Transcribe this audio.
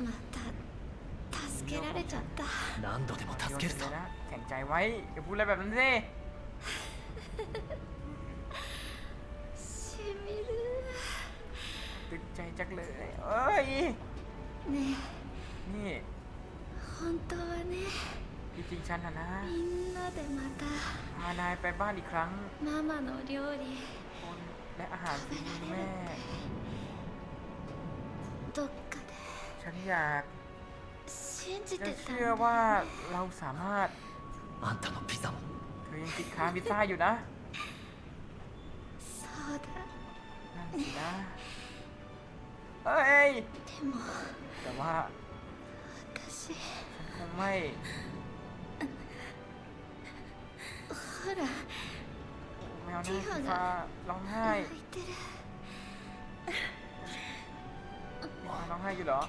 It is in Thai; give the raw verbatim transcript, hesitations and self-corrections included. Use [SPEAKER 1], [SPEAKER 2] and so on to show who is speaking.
[SPEAKER 1] また助けられちゃった。
[SPEAKER 2] 何度でも助ける
[SPEAKER 3] เล
[SPEAKER 2] さ
[SPEAKER 3] ยนะแข็งใจไว้อย่าพูดอะไรแบบนั้นสิ
[SPEAKER 1] しみる。
[SPEAKER 3] ตึงใจจักเลยเอ้ย
[SPEAKER 1] ね
[SPEAKER 3] นี่
[SPEAKER 1] え本当はね、
[SPEAKER 3] จริงๆฉันนะนะ
[SPEAKER 1] みんなでまた
[SPEAKER 3] พานายไปบ้านอีกครั้ง
[SPEAKER 1] ママの料理
[SPEAKER 3] คนและอาหารฝีมือแม่
[SPEAKER 1] どっかで
[SPEAKER 3] ฉันอยาก
[SPEAKER 1] 信じ
[SPEAKER 3] จะ
[SPEAKER 1] てたん
[SPEAKER 3] เชื่อ
[SPEAKER 1] だ
[SPEAKER 3] ว่า
[SPEAKER 1] よね。
[SPEAKER 3] เราสามารถ
[SPEAKER 2] あんたのピザも
[SPEAKER 3] เธอยังติดค้างพิซซ่าอยู่นะ
[SPEAKER 1] そうだ。
[SPEAKER 3] นั่นสินะ เอ้ย
[SPEAKER 1] でも
[SPEAKER 3] แต่ว่า
[SPEAKER 1] 私
[SPEAKER 3] ฉันคงไม่
[SPEAKER 1] ほら
[SPEAKER 3] ไม่เอาหน้าฟีฟ้าร้องไห้
[SPEAKER 1] 泣いてる。
[SPEAKER 3] ฟีฟ้าร้องไห้อยู่เหรอ